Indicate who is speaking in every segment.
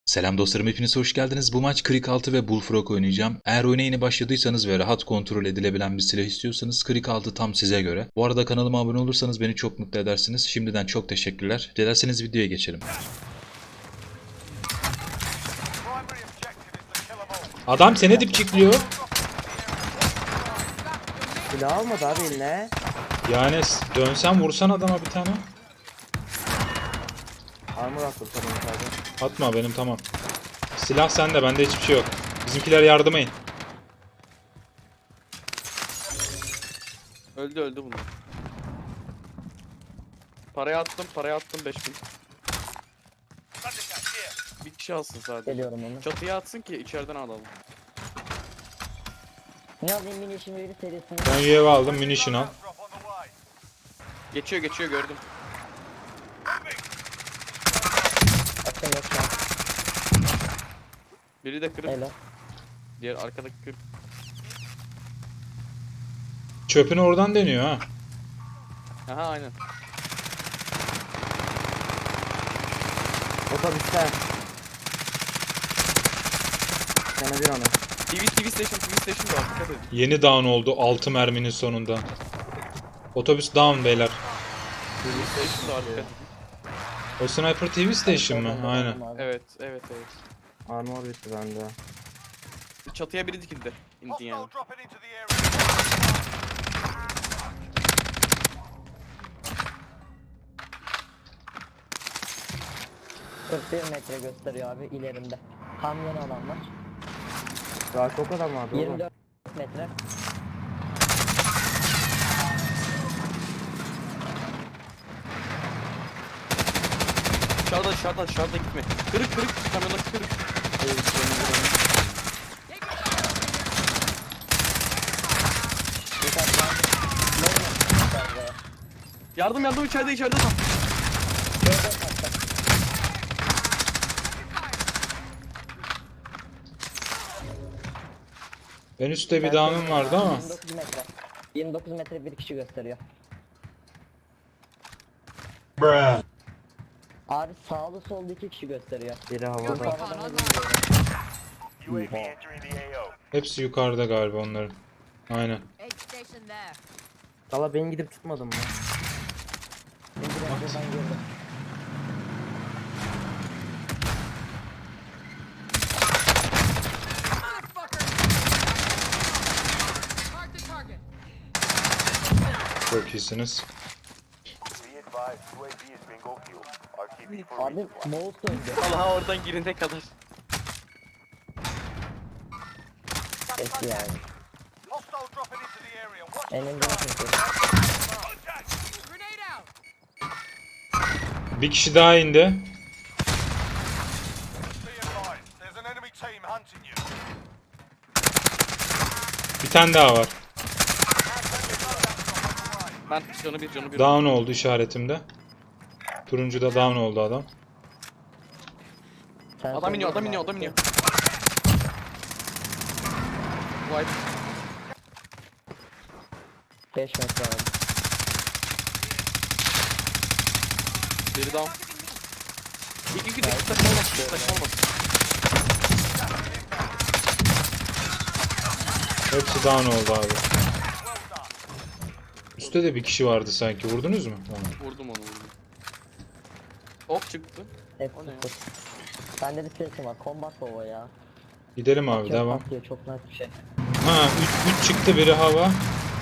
Speaker 1: Selam dostlarım, hepiniz hoş geldiniz. Bu maç Krik 6 ve Bullfrog oynayacağım. Eğer oyuna yeni başladıysanız ve rahat kontrol edilebilen bir silah istiyorsanız Krik 6 tam size göre. Bu arada kanalıma abone olursanız beni çok mutlu edersiniz. Şimdiden çok teşekkürler. Dilerseniz videoya geçelim. Adam seni dipçikliyor.
Speaker 2: Silah almadı abi eline.
Speaker 1: Yani dönsen vursan adama bir tane.
Speaker 2: Armor attım tamam sadece.
Speaker 1: Atma, benim tamam. Silah sende, bende hiçbir şey yok. Bizimkiler yardımayın.
Speaker 3: Öldü bunlar. Parayı attım 5000. Bir kişi alsın sadece.
Speaker 4: Geliyorum onu.
Speaker 3: Çatıya atsın ki içeriden alalım.
Speaker 4: Ne alayım mini işin bir serisini.
Speaker 1: Ben UAV aldım, munition al.
Speaker 3: Geçiyor gördüm.
Speaker 4: Atacağım yok şu an.
Speaker 3: Biri de kırık.
Speaker 4: Helal.
Speaker 3: Diğer arkadaki kırık.
Speaker 1: Çöpünü oradan deniyor ha.
Speaker 3: Aha aynen.
Speaker 2: Otobüste. Sana bir onu.
Speaker 3: TV station var, dikkat edin.
Speaker 1: Yeni down oldu 6 merminin sonunda. Otobüs down beyler.
Speaker 3: TV station var, dikkat edin.
Speaker 1: O Sniper TV Station mı? Aynen.
Speaker 3: Evet.
Speaker 2: Armor bitti bende.
Speaker 3: Çatıya biri dikildi. İndi yani.
Speaker 4: 41 metre gösteriyor abi ilerinde. Kamyon alanlar.
Speaker 2: Daha çok adam vardı oğlum.
Speaker 4: 24 metre.
Speaker 3: Dışarıda gitme. Kırık kamyondaki kırık. Yardım içeride tam.
Speaker 1: En üstte bir down'um vardı ama.
Speaker 4: 29 metre. 29 metre bir kişi gösteriyor. Abi sağlı solda 2 kişi gösteriyor.
Speaker 2: Biri havada.
Speaker 4: Yukarıdan
Speaker 1: Hepsi yukarıda galiba onların. Aynen.
Speaker 5: Aid station there.
Speaker 2: Valla ben gidip tutmadım mı?
Speaker 4: buradan girdim.
Speaker 5: Motherfucker! Mark the target.
Speaker 1: Çok iyisiniz.
Speaker 4: Abi mouse döndü.
Speaker 3: Allah oradan girene kadar.
Speaker 4: Eski yani. Elimde nasıl?
Speaker 5: Grenade out.
Speaker 1: Bir kişi daha indi. Bir tane daha var.
Speaker 3: Ben canı bir.
Speaker 1: Down oldu işaretimde. Turuncuda down oldu adam.
Speaker 4: Sen
Speaker 3: Adam iniyor. Vay.
Speaker 4: 5 metre abi.
Speaker 3: Biri down. İki taşınamaz.
Speaker 1: Hepsi down oldu abi. Üstte de bir kişi vardı sanki. Vurdunuz mu? Tamam.
Speaker 3: Vurdum onu. Ok çıktı.
Speaker 4: Hep
Speaker 3: O ne ya?
Speaker 4: sıfır. Bende bir sesim var. Combat baba ya.
Speaker 1: Gidelim abi, devam.
Speaker 4: Atlıyor, çok net bir şey.
Speaker 1: Ha 3 çıktı, biri hava.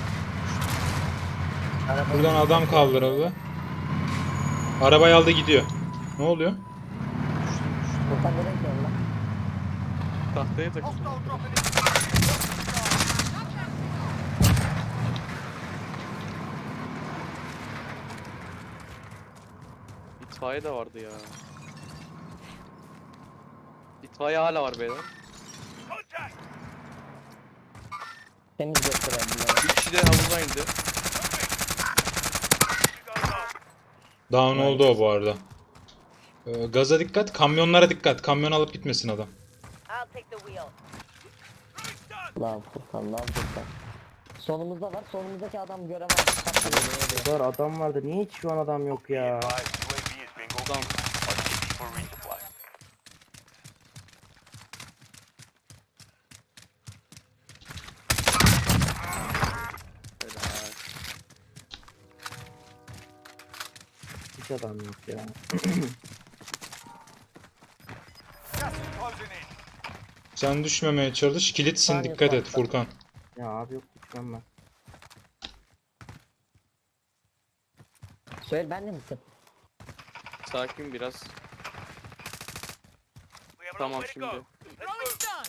Speaker 1: Buradan adam kaldırıldı. Arabayı aldı gidiyor. Ne oluyor?
Speaker 4: Buradan nereye gidiyorsun lan?
Speaker 3: Tahtaya takıldı. İtfaiye de vardı ya. İtfaiye hala var beyler.
Speaker 4: Temiz gösteren bunları.
Speaker 3: Bir kişi de havuza indi.
Speaker 1: Down oldu o bu arada. Gaza dikkat, kamyonlara dikkat. Kamyon alıp gitmesin adam.
Speaker 5: I'll take the wheel.
Speaker 4: Lan Furkan, lan Furkan. Solumuzda var. Solumuzdaki adam göremez.
Speaker 2: Bu kadar adam vardı. Niye hiç şu an adam yok ya?
Speaker 3: Tamam.
Speaker 2: hiç adam yok ya.
Speaker 1: Sen düşmemeye çalış. Kilitsin,
Speaker 4: Saniye
Speaker 1: dikkat et
Speaker 4: farklı.
Speaker 1: Furkan.
Speaker 2: Ya abi yok düşmem ben.
Speaker 4: Söyle ben de misin?
Speaker 3: Sakin biraz. Tamam şimdi.
Speaker 5: Throwing stun.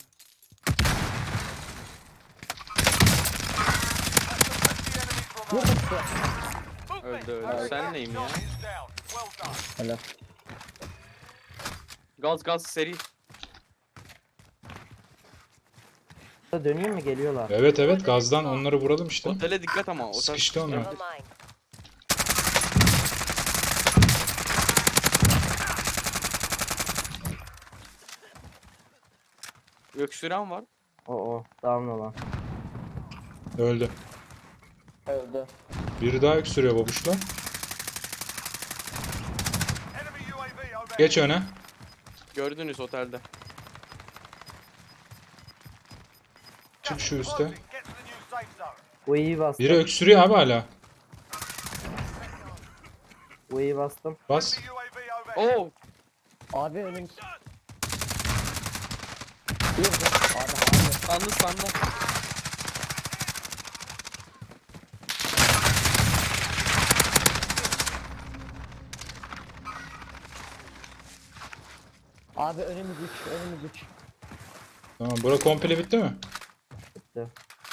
Speaker 4: Burada tutuyor.
Speaker 3: Öldü öldü. Sen neyim ya?
Speaker 4: Helal.
Speaker 3: Gaz gaz seri.
Speaker 2: Da döneyim mi geliyorlar?
Speaker 1: Evet evet, gazdan onları vuralım işte.
Speaker 3: Otele dikkat ama. Otel
Speaker 1: Sıkıştı onlar.
Speaker 5: Never mind.
Speaker 3: Öksüren var.
Speaker 2: O down olan.
Speaker 1: Öldü.
Speaker 4: Öldü.
Speaker 1: Biri daha öksürüyor babuşla. Geç öne.
Speaker 3: Gördünüz otelde.
Speaker 1: Çık şu üste.
Speaker 2: Bu iyi bastım.
Speaker 1: Biri öksürüyor abi hala.
Speaker 2: Bu iyi bastım.
Speaker 1: Bas.
Speaker 3: Oo!
Speaker 4: Abi önümüz. Bir de. Abi.
Speaker 3: Sandı sandı.
Speaker 4: Abi önümüz 3. Önümüz 3.
Speaker 1: Tamam, bura komple bitti mi?
Speaker 2: Bitti.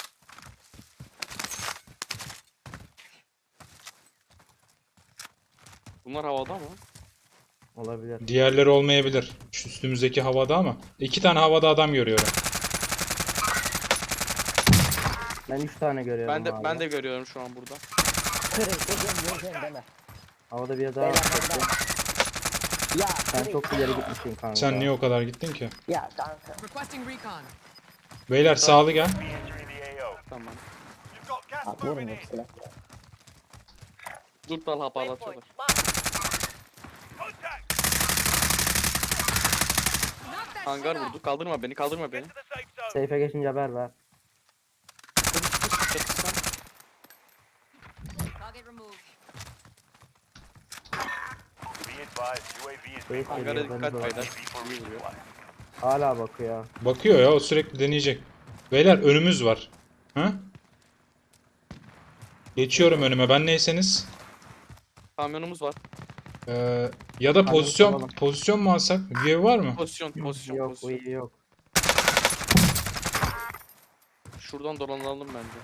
Speaker 3: Bunlar havada mı?
Speaker 2: Olabilir.
Speaker 1: Diğerleri olmayabilir. Şu üstümüzdeki havada ama. 2 tane havada adam görüyorum.
Speaker 2: Ben 3 tane görüyorum
Speaker 3: Ben de
Speaker 2: abi.
Speaker 3: ben de görüyorum şu an burada.
Speaker 4: Kırın. Gözüm deme.
Speaker 2: Havada bir daha
Speaker 4: Beyler
Speaker 2: çıktı.
Speaker 4: benden. Ya
Speaker 2: Sen
Speaker 4: kırın.
Speaker 2: çok ileri gitmişsin kanka.
Speaker 1: Sen niye o kadar gittin ki?
Speaker 4: Ya kanka.
Speaker 5: Requesting recon.
Speaker 1: Beyler sağlı gel.
Speaker 3: Tamam.
Speaker 4: Abi vurun hepsine.
Speaker 3: Dur dal hap
Speaker 5: Waypoint
Speaker 3: ağlatıyorlar.
Speaker 5: marked. Knock that
Speaker 3: Hangar
Speaker 5: shit off.
Speaker 3: vurdu. Kaldırma beni, kaldırma beni.
Speaker 2: Seyfe geçince haber ver.
Speaker 3: Çatışsan.
Speaker 5: Target removed.
Speaker 2: Seyfe
Speaker 3: Hangara
Speaker 2: geliyor,
Speaker 3: dikkat
Speaker 2: ben de
Speaker 3: beyler. İyi vuruyor.
Speaker 2: Hala bakıyor.
Speaker 1: Bakıyor ya, o sürekli deneyecek. Beyler önümüz var. Ha? Geçiyorum önüme, ben neyseniz.
Speaker 3: Kamyonumuz var.
Speaker 1: Ya da pozisyon
Speaker 2: alalım.
Speaker 1: pozisyon mu alsak? UAV var mı?
Speaker 3: Pozisyon, pozisyon,
Speaker 2: Yok bu
Speaker 3: pozisyon.
Speaker 2: iyi yok.
Speaker 3: Şuradan dolanalım bence.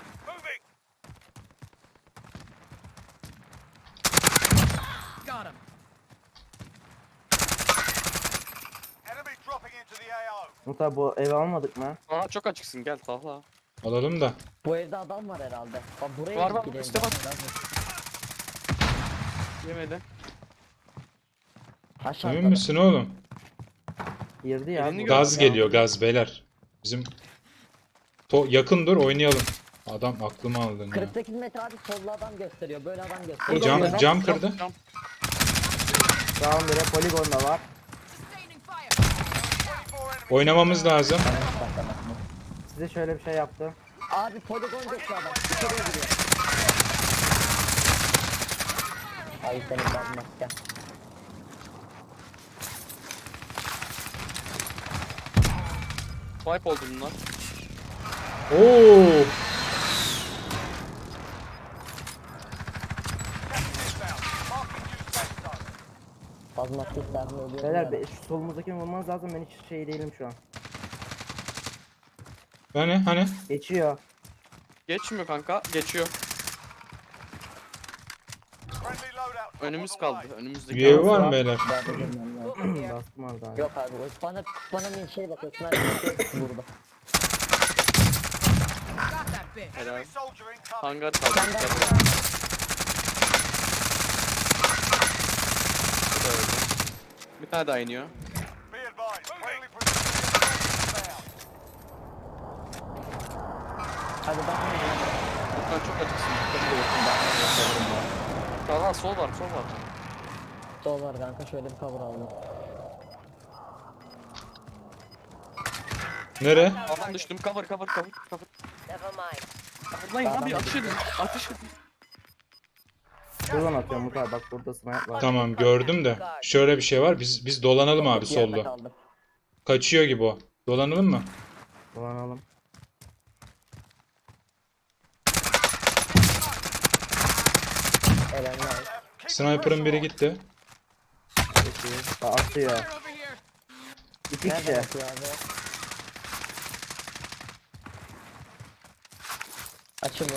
Speaker 5: Got him.
Speaker 2: Muta bu evi almadık mı?
Speaker 3: Aa çok açıksın, gel tahla.
Speaker 1: Alalım da.
Speaker 4: Bu evde adam var herhalde. Bak buraya
Speaker 3: Var, var,
Speaker 4: gidelim.
Speaker 3: üstte var. Yemedi.
Speaker 4: Aşağıda.
Speaker 1: Emin misin oğlum?
Speaker 2: Girdi ya.
Speaker 3: Elini
Speaker 2: bu.
Speaker 3: gör.
Speaker 1: Gaz geliyor, gaz beyler. Bizim yakın dur, oynayalım. Adam aklımı aldın ya.
Speaker 4: 48 metre abi sollu adam gösteriyor. Böyle adam gösteriyor.
Speaker 1: Cam kırdı.
Speaker 3: Cam.
Speaker 2: Tamam bire poligonda var.
Speaker 5: Sustaining fire.
Speaker 1: Oynamamız lazım.
Speaker 2: Size şöyle bir şey yaptım.
Speaker 4: Abi poligon gösteriyor adam. İçeriye giriyor. Ay senin ben gel.
Speaker 3: Wipe oldu bunlar.
Speaker 1: Oo!
Speaker 4: Fazla seslerle oluyor.
Speaker 2: Beyler şu solumuzdakini vurmanız lazım. Ben hiç şey değilim şu an.
Speaker 1: Hani?
Speaker 2: Geçiyor.
Speaker 3: Geçmiyor kanka, geçiyor. Önümüz kaldı, önümüzdeki.
Speaker 1: UAV var mı beyler?
Speaker 2: Bastım orada. abi.
Speaker 4: Yok abi bana bir şey bakıyor. Sniper şey vurdu.
Speaker 5: Got that bitch.
Speaker 3: Helal. Hangar kaldı.
Speaker 4: Sen de-
Speaker 3: dikkat. Bu da öldü. Bir tane daha iniyor.
Speaker 4: Hadi bak.
Speaker 3: Lütfen çok açıksın. Sağ sol var, sol var.
Speaker 4: Sol var kanka şöyle bir cover aldım.
Speaker 1: Nere?
Speaker 3: Aman düştüm, cover.
Speaker 5: Never mind.
Speaker 3: Coverlayın abi, ateş edin. Ateş edin.
Speaker 2: Şuradan atıyorum Mutlu abi, bak burada sniper var.
Speaker 1: Tamam gördüm de. Şöyle bir şey var. Biz dolanalım abi
Speaker 4: Bir yerde
Speaker 1: solda.
Speaker 4: kaldım.
Speaker 1: Kaçıyor gibi o. Dolanalım mı?
Speaker 2: Dolanalım.
Speaker 4: Elenler.
Speaker 1: Sniper'ın biri gitti.
Speaker 2: Peki. Atıyor.
Speaker 5: Fire over here.
Speaker 2: İki
Speaker 4: Nereden
Speaker 2: kişi.
Speaker 4: atıyor abi? Açılıyor.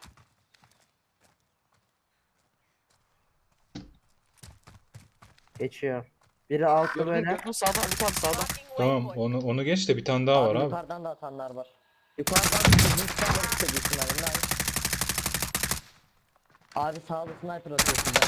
Speaker 2: Geçiyor. Biri altta
Speaker 3: Gördüm
Speaker 2: böyle.
Speaker 3: gördüm sağda Ali abi sağda.
Speaker 1: Tamam onu geç de bir tane daha var abi.
Speaker 4: Yukarıdan da atanlar var. Yukarıdan bizim silahları tutuyor büyük ihtimalle. Nice. Abi sağda sniper atıyor sizden.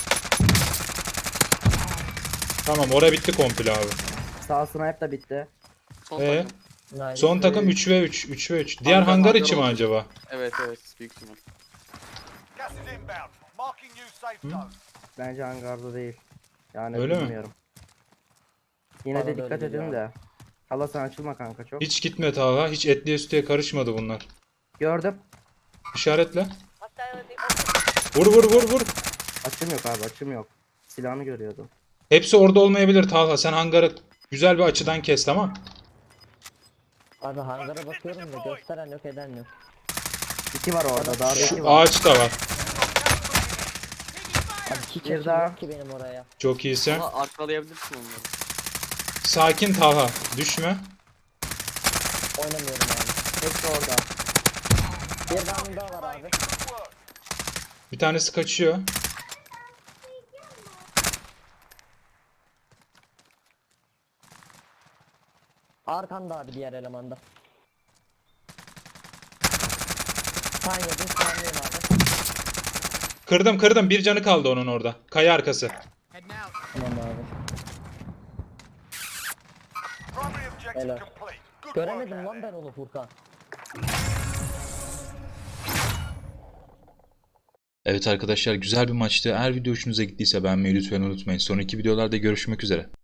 Speaker 1: Tamam ora bitti komple abi.
Speaker 2: Sağ sniper da bitti.
Speaker 3: Son
Speaker 1: Ee?
Speaker 3: takım.
Speaker 4: Nice.
Speaker 1: Son takım 3 ve 3. 3 ve 3. Diğer
Speaker 3: Hangar
Speaker 1: hangar içi mi
Speaker 3: olacak.
Speaker 1: acaba?
Speaker 3: Evet büyük ihtimal.
Speaker 6: Gas is inbound. Marking new safe zone.
Speaker 2: Bence hangarda değil. Yani
Speaker 1: Öyle mi?
Speaker 2: bilmiyorum. Yine
Speaker 4: Bana
Speaker 2: de
Speaker 4: da
Speaker 2: dikkat
Speaker 4: öyle
Speaker 2: edin
Speaker 4: geliyor
Speaker 2: de. Hala sen açılma kanka çok.
Speaker 1: Hiç gitme Talha. Hiç etliye sütüye karışmadı bunlar.
Speaker 2: Gördüm.
Speaker 1: İşaretle. Vur vur vur vur.
Speaker 2: Açım yok abi, açım yok. Silahını görüyordum.
Speaker 1: Hepsi orada olmayabilir Talha. Sen hangarı güzel bir açıdan kes tamam.
Speaker 4: Abi hangara bakıyorum da gösteren yok eden yok.
Speaker 2: İki var orada, daha da iki
Speaker 1: Şu
Speaker 2: var.
Speaker 1: ağaç da var.
Speaker 4: Abi hiç
Speaker 2: Bir
Speaker 4: açım
Speaker 2: daha.
Speaker 4: yok ki benim oraya.
Speaker 1: Çok iyisin.
Speaker 3: Ama arkalayabilirsin onları.
Speaker 1: Sakin Talha. Düşme.
Speaker 4: Oynamıyorum abi.
Speaker 2: Hepsi orada.
Speaker 4: Bir tane daha var abi.
Speaker 1: Bir tanesi kaçıyor.
Speaker 4: Arkanda abi diğer elemanda. Sen yedin saniyem abi.
Speaker 1: Kırdım. Bir canı kaldı onun orada. Kaya arkası.
Speaker 5: Heading out.
Speaker 4: Tamam abi.
Speaker 6: Primary objective
Speaker 4: Helal.
Speaker 6: complete. Good
Speaker 4: Göremedim
Speaker 6: work out
Speaker 4: lan ben onu Furkan.
Speaker 1: Evet arkadaşlar güzel bir maçtı. Eğer video hoşunuza gittiyse beğenmeyi lütfen unutmayın. Sonraki videolarda görüşmek üzere.